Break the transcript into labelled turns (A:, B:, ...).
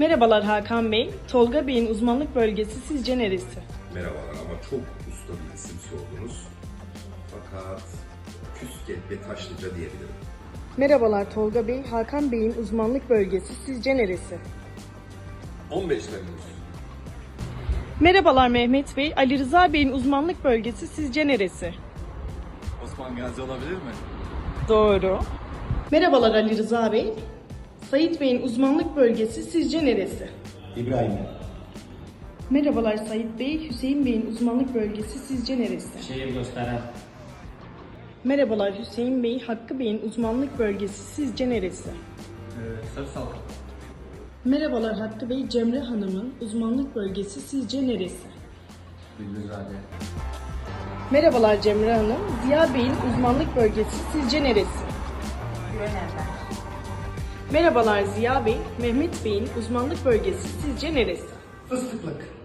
A: Merhabalar Hakan Bey. Tolga Bey'in uzmanlık bölgesi sizce neresi?
B: Merhabalar ama çok usta bir isim sordunuz. Fakat Küsket ve Taşlıca diyebilirim.
A: Merhabalar Tolga Bey. Hakan Bey'in uzmanlık bölgesi sizce neresi?
B: 15 Temmuz.
A: Merhabalar Mehmet Bey. Ali Rıza Bey'in uzmanlık bölgesi sizce neresi?
C: Osman Gazi olabilir mi?
A: Doğru. Merhabalar Ali Rıza Bey. Sait Bey'in uzmanlık bölgesi sizce neresi?
D: İbrahim'e.
A: Merhabalar Sait Bey. Hüseyin Bey'in uzmanlık bölgesi sizce neresi?
D: Şehir gösteren.
A: Merhabalar Hüseyin Bey. Hakkı Bey'in uzmanlık bölgesi sizce neresi?
D: Sarı Salkım.
A: Merhabalar Hakkı Bey. Cemre Hanım'ın uzmanlık bölgesi sizce neresi?
D: Bülbülzade.
A: Merhabalar Cemre Hanım. Ziya Bey'in uzmanlık bölgesi sizce neresi?
E: Yöneler.
A: Merhabalar Ziya Bey. Mehmet Bey'in uzmanlık bölgesi sizce neresi?
D: Fıstıklık.